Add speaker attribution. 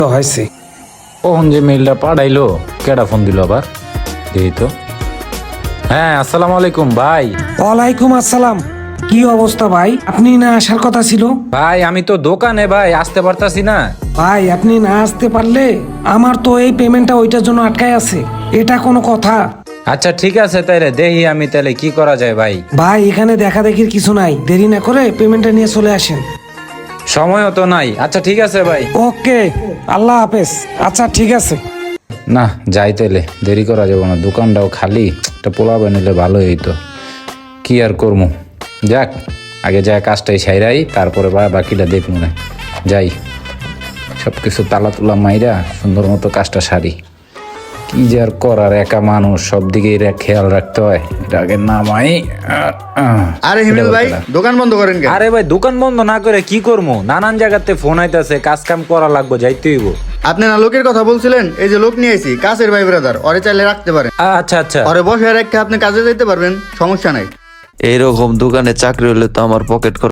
Speaker 1: তো হয়েছে।
Speaker 2: কখন যে মেইলটা পাঠাইলো, কেডা ফোন দিল আবার, দেখি তো। হ্যাঁ, আসসালামু আলাইকুম ভাই।
Speaker 1: ওয়ালাইকুম আসসালাম। কি অবস্থা ভাই? আপনি না আসার কথা ছিল।
Speaker 2: ভাই আমি তো দোকানে ভাই, আসতে পারতাছি না।
Speaker 1: ভাই আপনি না আসতে পারলে আমার তো এই পেমেন্টটা ওইটার জন্য আটকায় আছে। এটা কোনো কথা?
Speaker 2: আচ্ছা ঠিক আছে, তাইলে দেখি আমি তাহলে কি করা যায় ভাই।
Speaker 1: ভাই এখানে দেখা দেখির কিছু নাই, দেরি না করে পেমেন্টটা নিয়ে চলে আসেন।
Speaker 2: সময়ও তো নাই। আচ্ছা ঠিক আছে ভাই।
Speaker 1: ওকে, আল্লাহ হাফেজ। আচ্ছা ঠিক আছে।
Speaker 2: না যাই তাইলে, দেরি করা যাবো না, দোকানটাও খালি, একটা পোলাও নিলে ভালো হইতো। কি আর করবো, যাক আগে যা কাজটাই সাইরাই, তারপরে বাকিটা দেখবো না। যাই, সব কিছু তালা তুলা মাইরা সুন্দর মতো কাজটা সারি। কি যে আর করার, একা মানুষ, সব দিকে খেয়াল রাখতে হয়। এটা আগে নামাই।
Speaker 3: আরে হিমেল ভাই, দোকান বন্ধ করেন কেন?
Speaker 2: আরে ভাই দোকান বন্ধ না করে কি করবো, নানান জায়গাতে ফোন আইতাছে, কাজ কাম করা লাগবো, যাইতে হইব।
Speaker 3: আপনি না লোকের কথা বলছিলেন, এই যে লোক নিয়ে আইছি, কাছের ভাই ব্রাদার, ওরে চাইলে রাখতে পারেন।
Speaker 2: আচ্ছা আচ্ছা।
Speaker 3: ওরে বসে রেখে আপনি কাজে যাইতে পারবেন, সমস্যা নাই।
Speaker 4: এইরকম দোকানে চাকরি হলে তো আমার পকেট